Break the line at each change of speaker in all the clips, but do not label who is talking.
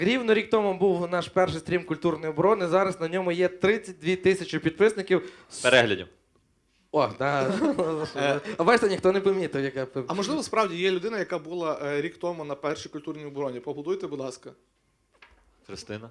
Рівно рік тому був наш перший стрім культурної оборони. Зараз на ньому є 32 тисячі підписників.
Переглядів.
О, да. А бачите, ніхто не помітив, яка...
А можливо, справді є людина, яка була рік тому на першій культурній обороні. Поаплодуйте, будь ласка.
Христина.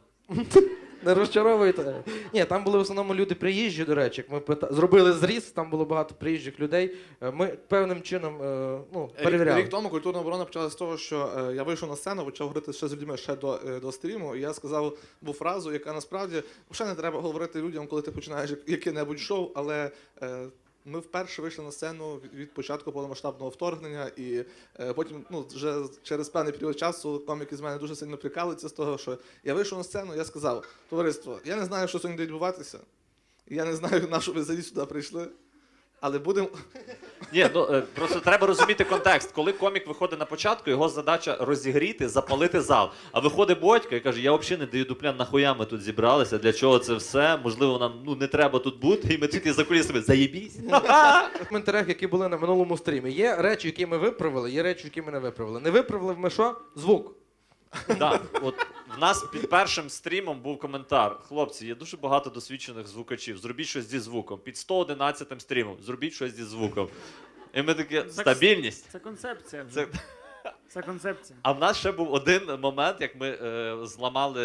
Не розчаровуйте. Ні, там були в основному люди приїжджі, до речі. Як ми зробили зріз, там було багато приїжджих людей. Ми певним чином перевіряли.
Рік тому культурна оборона почалася з того, що я вийшов на сцену, почав говорити ще з людьми ще до стріму, і я сказав фразу, яка насправді взагалі не треба говорити людям, коли ти починаєш яке-небудь шоу, але ми вперше вийшли на сцену від початку повномасштабного вторгнення, і потім, вже через певний період часу коміки з мене дуже сильно прикалуються з того, що я вийшов на сцену, я сказав: товариство, я не знаю, що сьогодні буде відбуватися, я не знаю, на що ви взагалі сюди прийшли, але будемо...
Ні, просто треба розуміти контекст. Коли комік виходить на початку, його задача розігріти, запалити зал. А виходить Бодька і каже: я взагалі не даю дупля, нахуя ми тут зібралися, для чого це все, можливо, нам не треба тут бути, і ми тільки за кулісами заєбісь.
В коментарях, які були на минулому стрімі, є речі, які ми виправили, є речі, які ми не виправили. Не виправили ми що? Звук.
Так, от в нас під першим стрімом був коментар: хлопці, є дуже багато досвідчених звукачів, зробіть щось зі звуком. Під 111-м стрімом, зробіть щось зі звуком. І ми такі: стабільність.
Це концепція вже. Це концепція.
А в нас ще був один момент, як ми зламали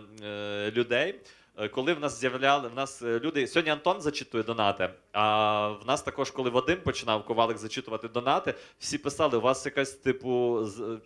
людей. Коли в нас люди... Сьогодні Антон зачитує донати, а в нас також, коли Вадим починав, Ковалик, зачитувати донати, всі писали: у вас якась, типу,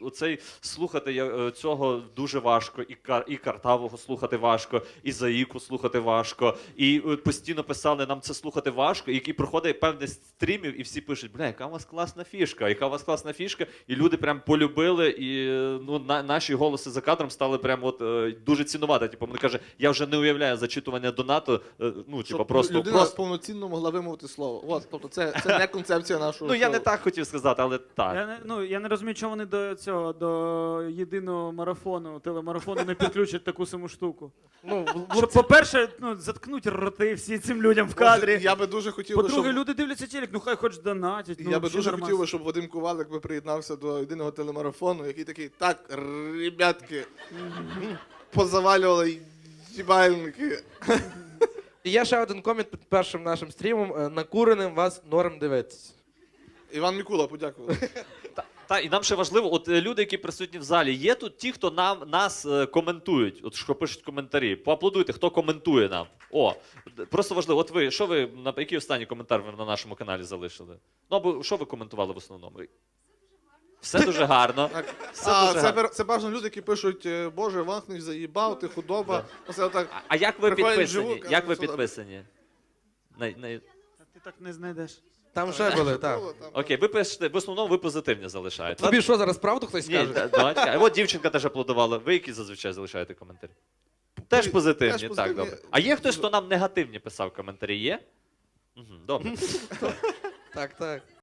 слухати цього дуже важко, і Картавого слухати важко, і Заїку слухати важко, і постійно писали: нам це слухати важко, і проходить певний стрімів, і всі пишуть: бля, яка у вас класна фішка, яка у вас класна фішка, і люди прям полюбили, і наші голоси за кадром стали прям дуже цінувати. Типу, вони каже: я вже не уявляю зачитування донату,
Щоб
просто...
людина повноцінно могла вимовити слово. От, тобто це не концепція нашого
я не
шоу.
так хотів сказати, але так.
Я не розумію, чому вони до єдиного марафону, телемарафону не підключать таку саму штуку. Щоб, по-перше, заткнуть роти всі цим людям в кадрі.
Я би дуже хотів,
По-друге, люди дивляться телек, хай хоч донатять.
Я би дуже хотів, щоб Вадим Ковалик приєднався до єдиного телемарафону, який такий: так, ребятки, позавалювали їбальники.
І є ще один комент під першим нашим стрімом. Накуреним вас норм дивитися.
Іван Мікула, подякував.
І нам ще важливо, от люди, які присутні в залі, є тут ті, хто нас коментують, от що пишуть коментарі. Поаплодуйте, хто коментує нам. Просто важливо, от ви, який останній коментар ви на нашому каналі залишили? Або що ви коментували в основному? Все дуже гарно.
Це бажано люди, які пишуть: Боже, Вахнич заїбав, ти худоба.
А як ви підписані?
вживу,
Як ви підписані?
Ти так не знайдеш.
Там ще були, так.
Окей, ви пишете, в основному ви позитивні залишаєте.
Тобі що, зараз правду хтось
Ні,
скаже?
давайте. От дівчинка теж аплодувала. Ви які зазвичай залишаєте коментарі? Теж позитивні, так, добре. А є хтось, хто нам негативні писав коментарі? Є? Добре.
Так, так.